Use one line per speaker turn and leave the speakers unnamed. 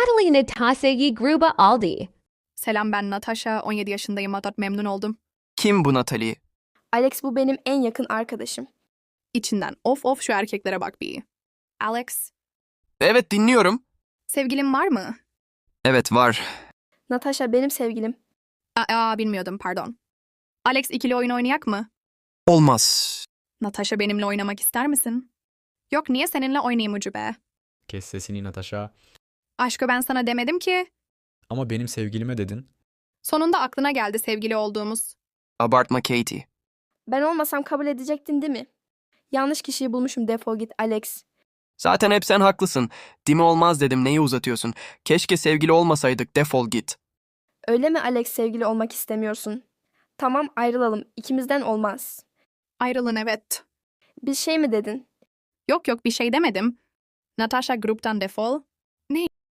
Natalie Natasha gruba aldi.
Selam, ben Natasha, 17 yaşındayım. Memnun oldum.
Kim bu Natalie?
Alex bu benim en yakın arkadaşım.
İçinden of şu erkeklere bak bir. Alex,
Evet, dinliyorum.
sevgilin var mı?
Evet, var.
Natasha benim sevgilim.
Bilmiyordum, pardon. Alex, ikili oyun oynayak mı?
Olmaz.
Natasha, benimle oynamak ister misin? Yok, niye seninle oynayayım ucube?
Kes sesini Natasha.
Aşkı, ben sana demedim ki.
Ama benim sevgilime dedin.
Sonunda aklına geldi sevgili olduğumuz.
Abartma Katie.
Ben olmasam kabul edecektin değil mi? Yanlış kişiyi bulmuşum, defol git Alex.
Zaten hep sen haklısın. Dimi olmaz dedim, neyi uzatıyorsun? Keşke sevgili olmasaydık, defol git.
Öyle mi Alex, sevgili olmak istemiyorsun? Tamam, ayrılalım, ikimizden olmaz.
Ayrılın, evet.
Bir şey mi dedin?
Yok bir şey demedim. Natasha, gruptan defol.